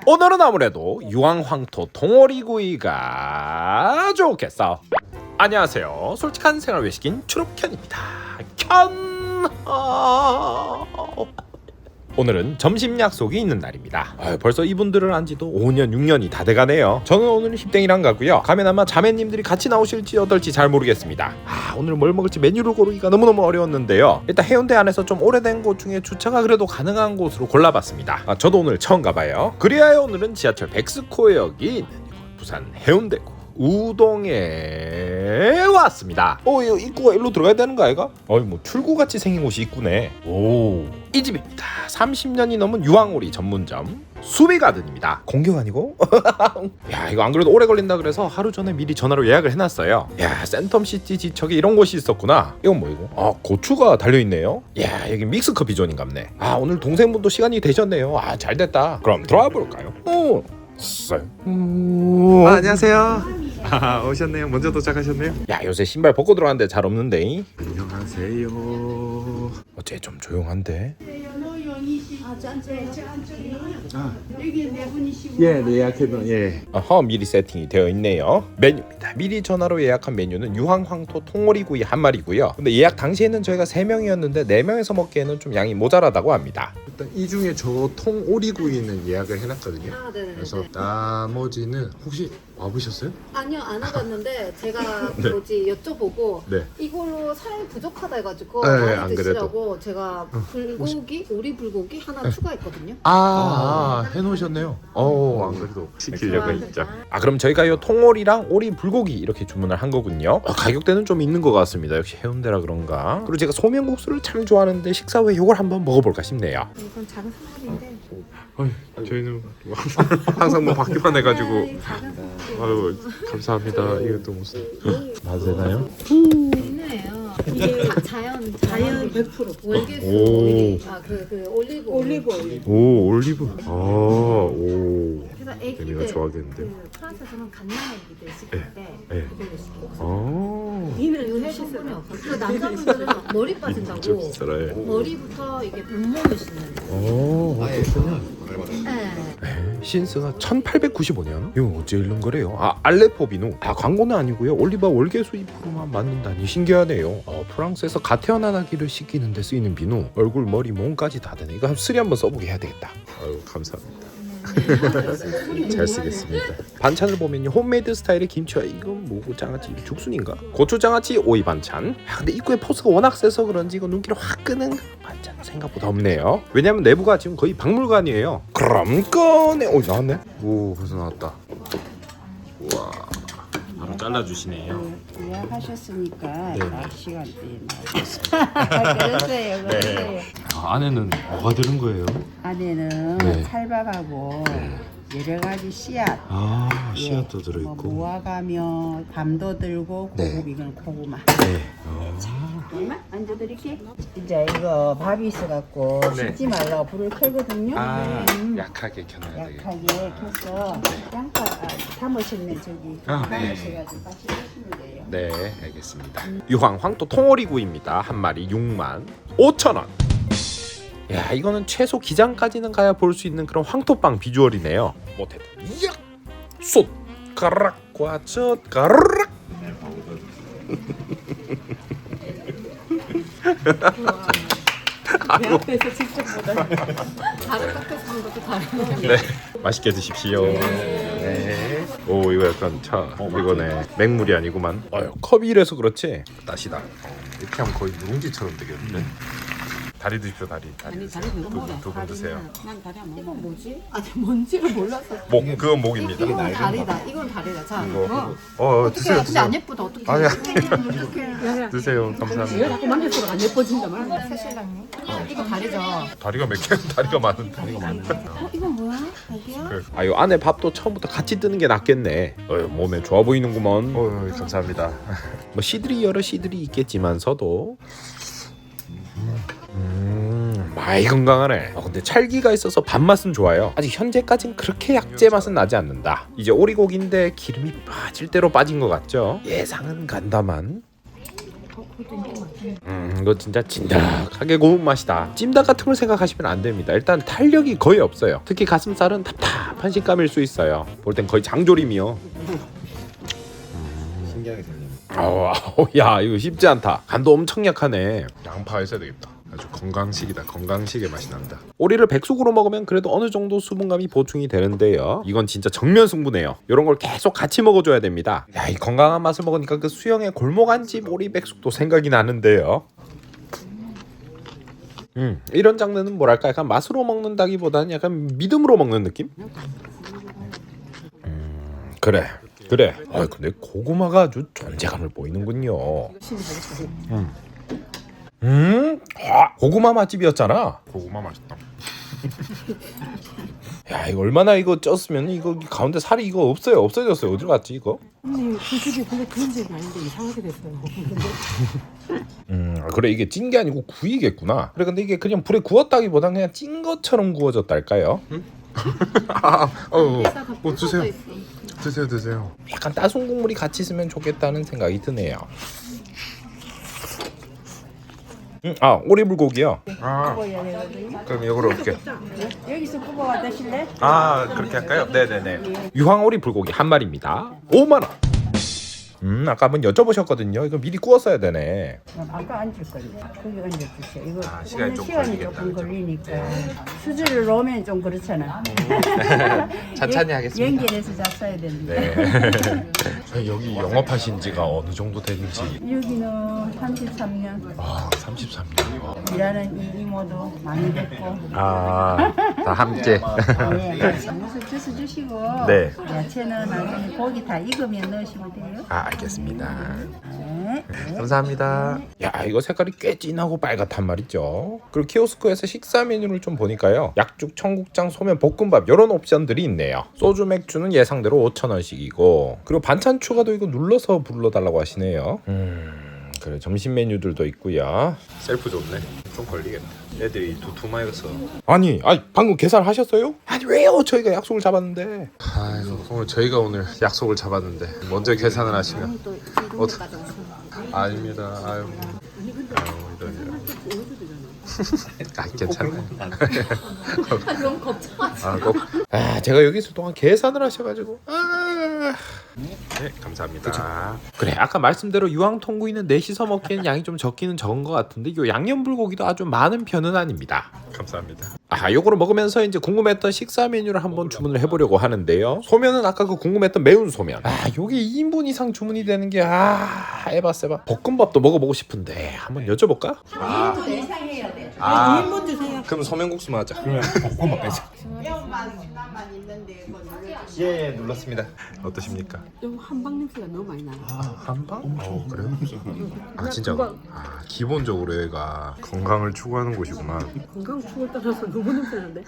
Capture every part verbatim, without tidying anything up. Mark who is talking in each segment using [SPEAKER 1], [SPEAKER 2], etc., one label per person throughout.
[SPEAKER 1] 오늘은 아무래도 유황황토 통오리구이가 좋겠어. 안녕하세요, 솔직한 생활 외식인 추록현입니다. 켠. 오늘은 점심 약속이 있는 날입니다. 아, 벌써 이분들을 안지도 오 년 육 년이 다 돼가네요. 저는 오늘 힙땡이랑 가고요. 가면 아마 자매님들이 같이 나오실지 어떨지 잘 모르겠습니다. 아, 오늘 뭘 먹을지 메뉴를 고르기가 너무너무 어려웠는데요. 일단 해운대 안에서 좀 오래된 곳 중에 주차가 그래도 가능한 곳으로 골라봤습니다. 아, 저도 오늘 처음 가봐요. 그리하여 오늘은 지하철 백스코역이 있는 부산 해운대구 우동에 왔습니다. 어, 이거 입구가 일로 들어가야 되는 거 아이가? 어이, 뭐 출구같이 생긴 곳이 있구네. 오, 이 집입니다. 삼십 년이 넘은 유황오리 전문점 수비가든입니다. 공격 아니고? 야, 이거 안 그래도 오래 걸린다 그래서 하루 전에 미리 전화로 예약을 해놨어요. 야, 센텀시티 지척에 이런 곳이 있었구나. 이건 뭐 이거? 아, 고추가 달려있네요. 야, 여기 믹스커피 존인갑네. 아, 오늘 동생분도 시간이 되셨네요. 아, 잘됐다. 그럼 들어와 볼까요? 오, 음...
[SPEAKER 2] 아, 안녕하세요. 아, 오셨네요. 먼저 도착하셨네요.
[SPEAKER 1] 야, 요새 신발 벗고 들어왔는데 잘 없는데.
[SPEAKER 2] 안녕하세요.
[SPEAKER 1] 어째 좀 조용한데?
[SPEAKER 2] 아, 예, 네, 예약해도 예.
[SPEAKER 1] 어허, 미리 세팅이 되어 있네요. 메뉴입니다. 미리 전화로 예약한 메뉴는 유황황토 통오리구이 한 마리고요. 근데 예약 당시에는 저희가 세 명이었는데 네 명에서 먹기에는 좀 양이 모자라다고 합니다.
[SPEAKER 2] 일단 이 중에 저 통오리구이는 예약을 해놨거든요.
[SPEAKER 3] 아, 네네.
[SPEAKER 2] 그래서 나머지는 혹시 와보셨어요?
[SPEAKER 3] 아니요, 안 와봤는데 제가
[SPEAKER 2] 네.
[SPEAKER 3] 뭐지 여쭤보고
[SPEAKER 2] 네.
[SPEAKER 3] 이걸로 사람이 부족하다 해가지고
[SPEAKER 2] 네,
[SPEAKER 3] 많이
[SPEAKER 2] 안
[SPEAKER 3] 드시라고 제가 불고기, 오리 불고기 하나 추가했거든요.
[SPEAKER 2] 아, 아 해놓으셨네요. 어, 안 그래도 시키려고 했죠.
[SPEAKER 1] 아, 그럼 저희가 이 통오리랑 오리 불고기 이렇게 주문을 한 거군요. 어, 가격대는 좀 있는 것 같습니다. 역시 해운대라 그런가. 그리고 제가 소면국수를 참 좋아하는데 식사 후에 이걸 한번 먹어볼까 싶네요.
[SPEAKER 3] 이건 작은 사발인데.
[SPEAKER 2] 어이, 저희는 항상 뭐 받기만 해가지고.
[SPEAKER 3] 네, 작은 사발.
[SPEAKER 2] 아유, 감사합니다. 이것도 무슨 맛되나요?
[SPEAKER 3] 있네요. 이게 자, 자연 자연 백 퍼센트 월계수 오일. 아그 그 올리브 올리브 오일.
[SPEAKER 2] 오, 올리브. 아, 오.
[SPEAKER 3] 그래서 애기
[SPEAKER 2] 애기가
[SPEAKER 3] 때
[SPEAKER 2] 좋아하겠는데.
[SPEAKER 3] 그 프랑스에서는 갓난아기들 시킬 때
[SPEAKER 2] 네.
[SPEAKER 3] 그걸로 시키고.
[SPEAKER 2] 아,
[SPEAKER 3] 이는 해성분이 없어. 그 남자분들은 머리 빠진다고.
[SPEAKER 2] 좀 비싸라.
[SPEAKER 3] 머리부터 이게 몸몸을 씻는 거.
[SPEAKER 2] 오,
[SPEAKER 3] 네.
[SPEAKER 1] 에, 신스가 천팔백구십오 년? 이거 어째 이런 거래요? 아, 알레포 비누. 아, 광고는 아니고요. 올리바 월계수 이 퍼센트만 맞는다니 신기하네요. 어, 프랑스에서 갓 태어난 아기를 씻기는 데 쓰이는 비누. 얼굴, 머리, 몸까지 다 되네. 이거 한 쓰리 한번 써보게 해야 되겠다.
[SPEAKER 2] 아유, 감사합니다. 잘 쓰겠습니다.
[SPEAKER 1] 반찬을 보면 홈메이드 스타일의 김치와 이건 뭐고 장아찌 죽순인가? 고추장아찌 오이 반찬. 아, 근데 입구에 포스가 워낙 세서 그런지 이거 눈길을 확 끄는 반찬 생각보다 없네요. 왜냐면 내부가 지금 거의 박물관이에요. 그럼 꺼내. 오, 나왔네.
[SPEAKER 2] 오, 벌써 나왔다. 우와. 바로 잘라주시네요.
[SPEAKER 4] 예약하셨으니까
[SPEAKER 2] 네.
[SPEAKER 4] 딱 시간대에 나오겠습니다. 그러세요, 그러세요.
[SPEAKER 2] 아, 안에는 뭐가 들은 거예요?
[SPEAKER 4] 안에는
[SPEAKER 2] 네.
[SPEAKER 4] 찰밥하고 여러 가지 씨앗,
[SPEAKER 2] 아,
[SPEAKER 4] 예,
[SPEAKER 2] 씨앗도
[SPEAKER 4] 뭐
[SPEAKER 2] 들어있고.
[SPEAKER 4] 무화과며 밤도 들고
[SPEAKER 2] 네.
[SPEAKER 4] 고급 이건 고구마.
[SPEAKER 2] 네. 아,
[SPEAKER 4] 얼마 앉아드릴게. 이제 이거 밥이 있어갖고
[SPEAKER 2] 네.
[SPEAKER 4] 식지 말라고 불을 켜거든요.
[SPEAKER 2] 아,
[SPEAKER 4] 음,
[SPEAKER 2] 약하게 켜놔야 되겠다.
[SPEAKER 4] 약하게 켜서 양파 아, 담으셨네 저기.
[SPEAKER 2] 아, 네.
[SPEAKER 4] 담으셔가지고 같이 드시면 돼요.
[SPEAKER 1] 네, 알겠습니다. 유황황토 통오리구이입니다. 한 마리 육만 오천 원. 야, 이거는 최소 기장까지는 가야 볼 수 있는 그런 황토빵 비주얼이네요. 못해도 이야! 쏟! 가락과 젖 가락!
[SPEAKER 4] 내 앞에서 직접 보다.
[SPEAKER 3] 다른 카페에서 하는 것도 다르네.
[SPEAKER 1] 네, 맛있게 드십시오. 네. 오, 이거 약간 차 이거네. 맹물이 아니구만. 어휴, 컵이 이래서 그렇지. 따시다.
[SPEAKER 2] 이렇게 하면 거의 누룽지처럼 되겠는데? 다리 드십시오, 다리. 다리
[SPEAKER 4] 아니
[SPEAKER 2] 드세요.
[SPEAKER 4] 다리 그거 먹어.
[SPEAKER 2] 두 분 드세요.
[SPEAKER 4] 난 다리 안 먹어.
[SPEAKER 3] 이건 뭐지? 아니 뭔지를 몰랐어.
[SPEAKER 1] 목, 그건 목입니다.
[SPEAKER 3] 이건 다리다. 이건 다리다. 자,
[SPEAKER 2] 이거.
[SPEAKER 3] 어.
[SPEAKER 2] 어, 어,
[SPEAKER 3] 어떻게?
[SPEAKER 2] 드세요,
[SPEAKER 3] 근데
[SPEAKER 2] 드세요.
[SPEAKER 3] 안 예쁘다. 어떻게?
[SPEAKER 2] 아니야.
[SPEAKER 3] 어떻게?
[SPEAKER 2] 드세요. 감사합니다.
[SPEAKER 4] 자꾸 만질수록 안 예뻐진다 말.
[SPEAKER 3] 새신랑님. 이거 다리죠.
[SPEAKER 2] 다리가 몇 개? 다리가 많은 다리가 많은.
[SPEAKER 3] 어, 이건 뭐야? 여기야?
[SPEAKER 1] 아, 요 안에 밥도 처음부터 같이 뜨는 게 낫겠네. 어휴, 몸에 좋아 보이는구먼.
[SPEAKER 2] 어, 감사합니다.
[SPEAKER 1] 뭐 씨들이 여러 씨들이 있겠지만서도 음, 많이 건강하네. 어, 근데 찰기가 있어서 밥맛은 좋아요. 아직 현재까진 그렇게 약재 맛은 나지 않는다. 이제 오리고기인데 기름이 빠질 대로 빠진 것 같죠? 예상은 간다만 음, 이거 진짜 진득하게 고운 맛이다. 찜닭 같은 걸 생각하시면 안 됩니다. 일단 탄력이 거의 없어요. 특히 가슴살은 답답 짭짤한 식감일 수 있어요. 볼 땐 거의 장조림이요.
[SPEAKER 2] 신기하게 생긴.
[SPEAKER 1] 아우, 아우, 야 이거 쉽지 않다. 간도 엄청 약하네.
[SPEAKER 2] 양파 있어야 되겠다. 아주 건강식이다. 건강식의 맛이 난다.
[SPEAKER 1] 오리를 백숙으로 먹으면 그래도 어느 정도 수분감이 보충이 되는데요. 이건 진짜 정면 승부네요. 이런 걸 계속 같이 먹어줘야 됩니다. 야, 이 건강한 맛을 먹으니까 그 수영의 골목 안집 오리 백숙도 생각이 나는데요. 음, 이런 장르는 뭐랄까 약간 맛으로 먹는다기보다는 약간 믿음으로 먹는 느낌? 음, 그래 그래. 아 근데 고구마가 아주 존재감을 보이는군요. 음, 음, 아, 고구마 맛집이었잖아.
[SPEAKER 2] 고구마 맛있다.
[SPEAKER 1] 야 이거 얼마나 이거 쪘으면 이거 가운데 살이 이거 없어요. 없어졌어요. 어디로 갔지 이거?
[SPEAKER 5] 언니 그 집이 근데 그런 집이 아닌데 이상하게 됐어요.
[SPEAKER 1] 음 그래 이게 찐 게 아니고 구이겠구나. 그래 근데 이게 그냥 불에 구웠다기보단 그냥 찐 것처럼 구워졌달까요?
[SPEAKER 2] 아, 어,
[SPEAKER 3] 게다가
[SPEAKER 2] 어,
[SPEAKER 3] 볶아져
[SPEAKER 2] 드세요.
[SPEAKER 3] 있어.
[SPEAKER 2] 드세요, 드세요.
[SPEAKER 1] 약간 따순 국물이 같이 있으면 좋겠다는 생각이 드네요. 음, 아 오리불고기요.
[SPEAKER 2] 아, 그럼 이거로 올게.
[SPEAKER 4] 여기서 뽑아와 드실래?
[SPEAKER 1] 아 그렇게 할까요? 네네네. 유황오리 불고기 한 마리입니다. 오만 원. 음 아까 한번 여쭤보셨거든요. 이거 미리 구웠어야 되네.
[SPEAKER 4] 아까 앉을 거예요. 거기 앉아주세요. 이거
[SPEAKER 2] 아, 시간이 좀
[SPEAKER 4] 시간이
[SPEAKER 2] 걸리겠다,
[SPEAKER 4] 조금
[SPEAKER 2] 그죠?
[SPEAKER 4] 걸리니까 수저를 넣으면 좀 그렇잖아.
[SPEAKER 1] 천천히 하겠습니다.
[SPEAKER 4] 연결해서 잡숴야 되는데.
[SPEAKER 1] 네. 저희 여기 영업하신 지가 어느 정도 되는지.
[SPEAKER 4] 여기는 삼십삼 년
[SPEAKER 1] 아 삼십삼 년이요.
[SPEAKER 4] 일하는 이 이모도 많이 됐고.
[SPEAKER 1] 아다 함께.
[SPEAKER 4] 네. 무슨 주스 주시고.
[SPEAKER 1] 네.
[SPEAKER 4] 야채는 나중에 고기 다 익으면 넣으시면 돼요.
[SPEAKER 1] 아 알겠습니다.
[SPEAKER 4] 네.
[SPEAKER 1] 감사합니다. 야 이거 색깔이 꽤 진하고 빨갛단 말이죠. 그리고 키오스크에서 식사 메뉴를 좀 보니까요. 약죽, 청국장, 소면, 볶음밥 이런 옵션들이 있네요. 소주, 맥주는 예상대로 오천 원씩이고 그리고 반찬 추가도 이거 눌러서 불러달라고 하시네요. 음 그래 점심 메뉴들도 있고요.
[SPEAKER 2] 셀프 좋네. 좀 걸리겠다. 애들이 두툼하여서.
[SPEAKER 1] 아니, 아니 방금 계산하셨어요? 아니 왜요? 저희가 약속을 잡았는데.
[SPEAKER 2] 아이고, 오늘 저희가 오늘 약속을 잡았는데 먼저 계산을 하시면.
[SPEAKER 3] 또
[SPEAKER 2] 어,
[SPEAKER 3] 이동까지 오셨네.
[SPEAKER 2] 아닙니다. 아유. 아유, 이런 이런. 아, 괜찮아요.
[SPEAKER 3] 아, 너무 걱정하지.
[SPEAKER 2] 아, 꼭.
[SPEAKER 1] 아 제가 여기 있을 동안 계산을 하셔가지고. 아...
[SPEAKER 2] 네, 감사합니다.
[SPEAKER 1] 그래 아까 말씀대로 유황통구이는 넷이서 먹기에는 양이 좀 적기는 적은 것 같은데 이 양념불고기도 아주 많은 편은 아닙니다.
[SPEAKER 2] 감사합니다.
[SPEAKER 1] 아 요거를 먹으면서 이제 궁금했던 식사 메뉴를 한번 주문을 해보려고 하는데요. 소면은 아까 그 궁금했던 매운 소면. 아 요게 이 인분 이상 주문이 되는 게아 에바 세바. 볶음밥도 먹어보고 싶은데 한번 여쭤볼까?
[SPEAKER 2] 아,
[SPEAKER 4] 이 이상 해야 돼.
[SPEAKER 2] 아,
[SPEAKER 5] 이 인분 주세요.
[SPEAKER 2] 그럼 소면국수만 하자.
[SPEAKER 1] 볶음밥 빼자.
[SPEAKER 4] 매운맛만 있는데 그거 눌러주세요.
[SPEAKER 2] 예, 예, 눌렀습니다. 어떠십니까?
[SPEAKER 5] 좀 한방 냄새가 너무 많이 나요.
[SPEAKER 2] 아, 한방? 어, 그래요? 아, 진짜. 아, 기본적으로 얘가 건강을 추구하는 곳이구만.
[SPEAKER 5] 건강 추구를 따라서 너무 냄새 나는데.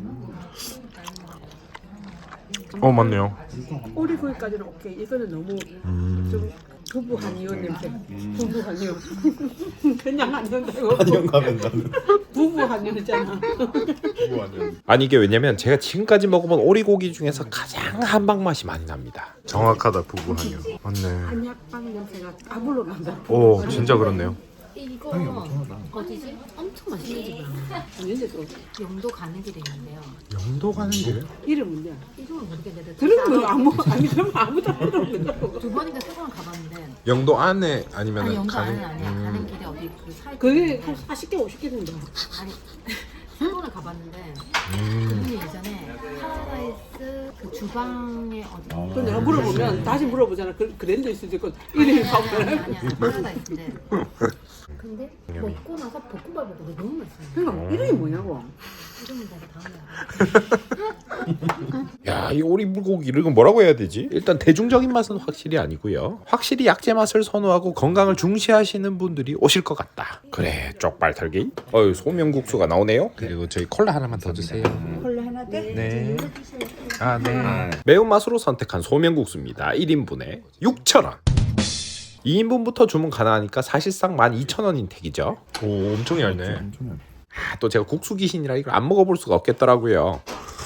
[SPEAKER 2] 어, 맞네요.
[SPEAKER 5] 오리구이까지는 오케이. 이거는 너무 좀 부부 한의원 냄새. 부부 한의원. 그냥 한의원다고.
[SPEAKER 2] 한영 가면 나는
[SPEAKER 5] 부부 한의원이잖아.
[SPEAKER 1] 아니 이게 왜냐면 제가 지금까지 먹어본 오리고기 중에서 가장 한방 맛이 많이 납니다.
[SPEAKER 2] 정확하다, 부부 한영. 맞네.
[SPEAKER 5] 한약방 냄새가 아물로 난다.
[SPEAKER 2] 오, 진짜 그렇네요.
[SPEAKER 3] 이거 어디지? 엄청 맛있는 집이야.
[SPEAKER 5] 언제도
[SPEAKER 3] 영도 가는 길에 있는데요.
[SPEAKER 2] 영도 가는 길?
[SPEAKER 5] 이름 뭔데?
[SPEAKER 3] 이름은 모르겠는데
[SPEAKER 5] 들은 거 아무 아니 들으면 아무도 안 들어.
[SPEAKER 3] 두 번인가 세 번을 가봤는데
[SPEAKER 2] 영도 안에 아니면
[SPEAKER 3] 아니
[SPEAKER 2] 은
[SPEAKER 3] 영도
[SPEAKER 2] 가는
[SPEAKER 3] 안은 아니야.
[SPEAKER 2] 음.
[SPEAKER 3] 가는 길에 어디 그 사이
[SPEAKER 5] 그게 한 사십 개 오십 개 된다.
[SPEAKER 3] 아니 세 번을 가봤는데
[SPEAKER 2] 음.
[SPEAKER 3] 그분이 예전에 파라다이스 그 주방에 어디
[SPEAKER 5] 그 내가 물어보면 다시 물어보잖아. 그 그랜드 있을 때 이름이
[SPEAKER 3] 아니
[SPEAKER 5] 가보면.
[SPEAKER 3] 아니야 파라다이스인데 근데 먹고 나서 볶음밥을 먹는데 너무 맛있어요.
[SPEAKER 5] 그러니까 이름이 뭐냐고.
[SPEAKER 3] 이름은 내가 다음에
[SPEAKER 1] 야, 이 오리불고기 이건 뭐라고 해야 되지? 일단 대중적인 맛은 확실히 아니고요. 확실히 약재 맛을 선호하고 건강을 중시하시는 분들이 오실 것 같다. 그래, 쪽발 털기. 어유 소면국수가 나오네요.
[SPEAKER 2] 그리고 저희 콜라 하나만 더 주세요.
[SPEAKER 4] 콜라 하나 더?
[SPEAKER 2] 네. 아, 네.
[SPEAKER 1] 매운맛으로 선택한 소면국수입니다. 일 인분에 육천 원. 이 인분부터 주문 가능하니까 사실상 만 이천 원인 택이죠.
[SPEAKER 2] 오, 엄청 얇네.
[SPEAKER 1] 아, 또 제가 국수 귀신이라 이걸 안 먹어볼 수가 없겠더라고요.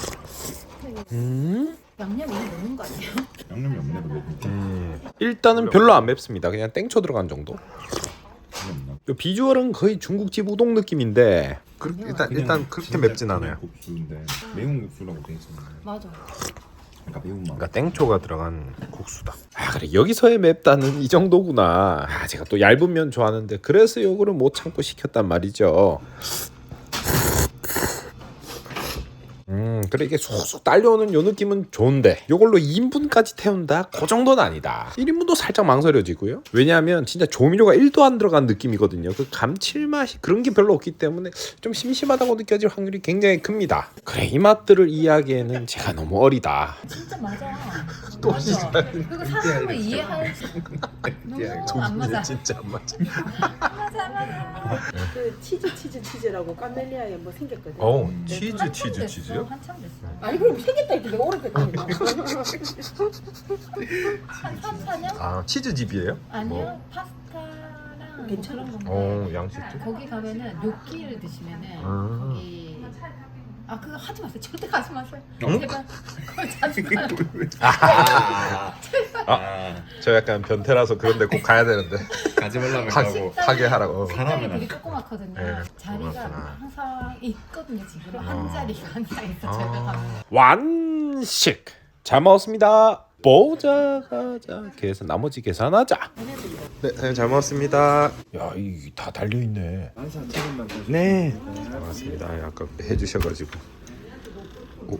[SPEAKER 1] 음?
[SPEAKER 3] 양념이 넣는 거 아니에요?
[SPEAKER 2] 양념이 없네, 그래도. 음.
[SPEAKER 1] 일단은 별로 안 맵습니다. 그냥 땡초 들어간 정도. 요 비주얼은 거의 중국집 우동 느낌인데
[SPEAKER 2] 그, 일단 일단 그렇게 맵진 않아요.
[SPEAKER 6] 국수인데 매운 국수라고 돼 있었나요?
[SPEAKER 3] 맞아.
[SPEAKER 6] 그러니까 매운맛.
[SPEAKER 2] 그러니까 땡초가 들어간 국수다.
[SPEAKER 1] 아 그래 여기서의 맵다는 이 정도구나. 아 제가 또 얇은 면 좋아하는데 그래서 요거를 못 참고 시켰단 말이죠. 음 그래 이게 쑥쑥 딸려오는 요 느낌은 좋은데 요걸로 이 인분까지 태운다? 그 정도는 아니다. 일 인분도 살짝 망설여지고요. 왜냐하면 진짜 조미료가 일도 안 들어간 느낌이거든요. 그 감칠맛이 그런 게 별로 없기 때문에 좀 심심하다고 느껴질 확률이 굉장히 큽니다. 그래 이 맛들을 이해하기에는 제가 너무 어리다.
[SPEAKER 3] 진짜 맞아. 또 맞아. 그거 사람을 이해할 수. 너무 안 맞아.
[SPEAKER 2] 진짜 안 맞아.
[SPEAKER 3] 안 맞아, 안 맞아.
[SPEAKER 5] 그 치즈 치즈 치즈라고 까멜리아에 뭐 생겼거든.
[SPEAKER 2] 어
[SPEAKER 3] 네,
[SPEAKER 2] 치즈
[SPEAKER 3] 한참
[SPEAKER 2] 치즈
[SPEAKER 3] 됐어,
[SPEAKER 2] 치즈요?
[SPEAKER 3] 한참 됐어.
[SPEAKER 5] 아니 그럼 생겼다 이게 오래됐다.
[SPEAKER 3] 한 삼, 사 년?
[SPEAKER 2] 아 치즈집이에요?
[SPEAKER 3] 아니요. 파스타랑
[SPEAKER 5] 괜찮아.
[SPEAKER 3] 그런 건데.
[SPEAKER 2] 어 양식집.
[SPEAKER 3] 거기 가면은 요끼를 드시면은
[SPEAKER 2] 아.
[SPEAKER 3] 거기 아 그거 하지 마세요. 절대 가지 마세요.
[SPEAKER 2] 응?
[SPEAKER 3] 제발. 거기 자주 가요.
[SPEAKER 6] 아,
[SPEAKER 1] 저 약간 변태라서 그런데 꼭 가야 되는데
[SPEAKER 6] 가지 말라고
[SPEAKER 2] 가-
[SPEAKER 6] 하고
[SPEAKER 2] 하게 하라고.
[SPEAKER 3] 식당이
[SPEAKER 6] 사람은
[SPEAKER 3] 되게 조그맣거든요.
[SPEAKER 2] 네,
[SPEAKER 3] 자리가
[SPEAKER 2] 조그맣구나.
[SPEAKER 3] 항상 있거든요. 지금 한
[SPEAKER 2] 아.
[SPEAKER 3] 자리가 항상 있어.
[SPEAKER 2] 아.
[SPEAKER 3] 제가 가면.
[SPEAKER 1] 완식 잘 먹었습니다. 보자 가자 계산 나머지 계산하자.
[SPEAKER 2] 네, 사장님 잘 먹었습니다.
[SPEAKER 1] 야 이 다 달려 있네.
[SPEAKER 2] 네. 고맙습니다. 아까 해주셔가지고. 오.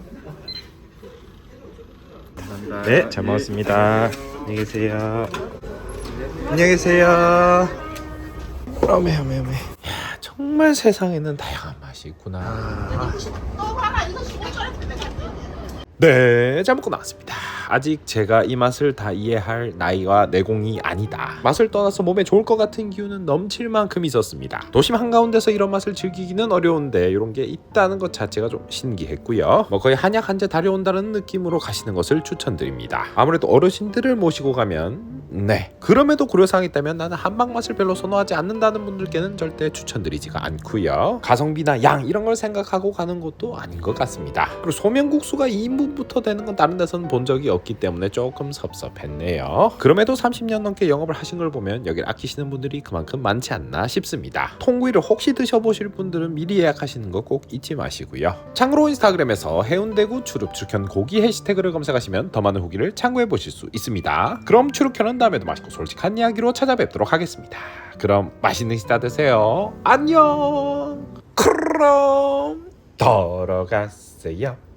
[SPEAKER 2] 네, 잘 먹었습니다. 안녕히 계세요. 안녕히 계세요.
[SPEAKER 1] 어메 어메 어메. 야 정말 세상에는 다양한 맛이 있구나. 네, 잘 먹고 나왔습니다. 아직 제가 이 맛을 다 이해할 나이와 내공이 아니다. 맛을 떠나서 몸에 좋을 것 같은 기운은 넘칠 만큼 있었습니다. 도심 한가운데서 이런 맛을 즐기기는 어려운데 이런 게 있다는 것 자체가 좀 신기했고요. 뭐 거의 한약 한 제 다려온다는 느낌으로 가시는 것을 추천드립니다. 아무래도 어르신들을 모시고 가면 네 그럼에도 고려사항이 있다면 나는 한방 맛을 별로 선호하지 않는다는 분들께는 절대 추천드리지가 않고요. 가성비나 양 이런 걸 생각하고 가는 것도 아닌 것 같습니다. 그리고 소면국수가 이 인분부터 되는 건 다른 데서는 본 적이 없기 때문에 조금 섭섭했네요. 그럼에도 삼십 년 넘게 영업을 하신 걸 보면 여길 아끼시는 분들이 그만큼 많지 않나 싶습니다. 통구이를 혹시 드셔보실 분들은 미리 예약하시는 거 꼭 잊지 마시고요. 참고로 인스타그램에서 해운대구 추릅추르현 고기 해시태그를 검색하시면 더 많은 후기를 참고해 보실 수 있습니다. 그럼 추르현은 다음에도 맛있고 솔직한 이야기로 찾아뵙도록 하겠습니다. 그럼 맛있는 식사 되세요. 안녕. 그럼 돌아가세요.